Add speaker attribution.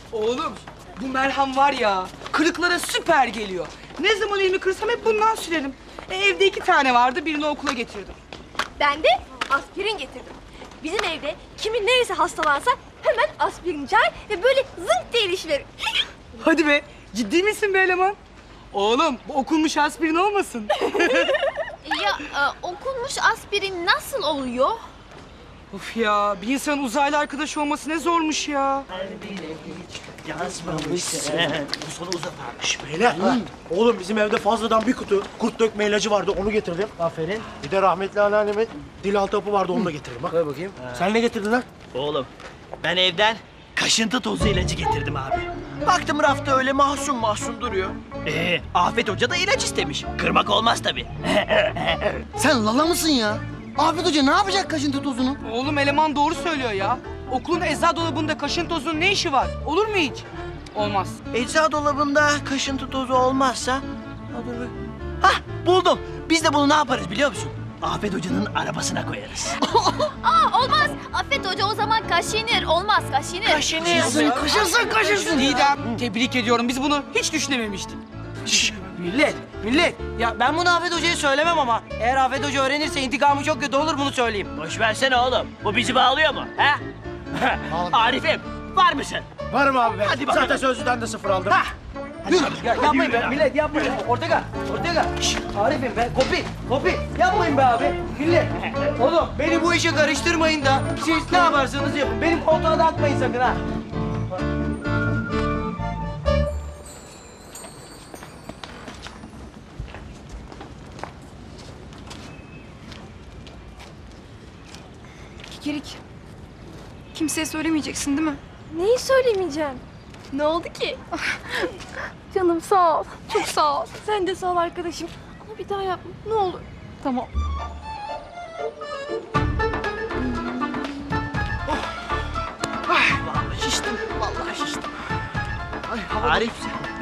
Speaker 1: Oğlum bu merhem var ya kırıklara süper geliyor. Ne zaman elimi kırsam hep bundan sürerim. Evde 2 tane vardı, birini okula getirdim.
Speaker 2: Ben de aspirin getirdim. Bizim evde kimin neresi hastalansa hemen aspirin çağır ve böyle zınk diye ilişiverir.
Speaker 1: Hadi be, ciddi misin be eleman? Oğlum bu okunmuş aspirin olmasın?
Speaker 3: Okunmuş aspirin nasıl oluyor?
Speaker 1: Of ya, bir insanın uzaylı arkadaş olması ne zormuş ya.
Speaker 4: Yazmamışsın. Bu sonu uzatmış. Beyler, oğlum bizim evde fazladan bir kutu kurt dökme ilacı vardı, onu getirdim. Aferin. Bir de rahmetli anneannemin dil altı hapı vardı, onu da getirdim. Bak. Ver bakayım. Sen ne getirdin lan?
Speaker 5: Oğlum ben evden kaşıntı tozu ilacı getirdim abi. Baktım rafta öyle mahzun mahzun duruyor. Afet Hoca da ilaç istemiş. Kırmak olmaz tabii.
Speaker 6: Sen lala mısın ya? Afet Hoca ne yapacak kaşıntı tozunu?
Speaker 1: Oğlum eleman doğru söylüyor ya. Okulun eczacı dolabında kaşın tozunun ne işi var? Olur mu hiç? Olmaz.
Speaker 5: Eczacı dolabında kaşıntı tozu olmazsa... Hah buldum. Biz de bunu ne yaparız biliyor musun? Afet Hoca'nın arabasına koyarız.
Speaker 3: Olmaz. Affet Hoca o zaman kaşınır. Olmaz kaşınır.
Speaker 6: Kaşırsın.
Speaker 1: Didem, tebrik ediyorum. Biz bunu hiç düşünememiştik.
Speaker 7: Millet. Ya ben bunu Afet Hoca'ya söylemem ama eğer Afet Hoca öğrenirse intikamı çok kötü olur, bunu söyleyeyim.
Speaker 5: Boş versene oğlum. Bu bizi bağlıyor mu? He? Arif'im var mısın?
Speaker 4: Varım abi ben.
Speaker 5: Hadi bakalım.
Speaker 4: Zaten sözlüden de sıfır aldım.
Speaker 7: Ya yapmayın be millet, yapmayın. Ortega. Şşt, Arif'im be, Kopi. Yapmayın be abi. Millet. Oğlum beni bu işe karıştırmayın da siz ne yaparsanız yapın. Benim koltuğa da atmayın sakın ha.
Speaker 2: Kikirik. Kimseye söylemeyeceksin değil mi? Neyi söylemeyeceğim? Ne oldu ki? Canım sağ ol. Çok sağ ol. Sen de sağ ol arkadaşım. Ama bir daha yapma. Ne olur. Tamam.
Speaker 5: Vallahi şiştim. Arif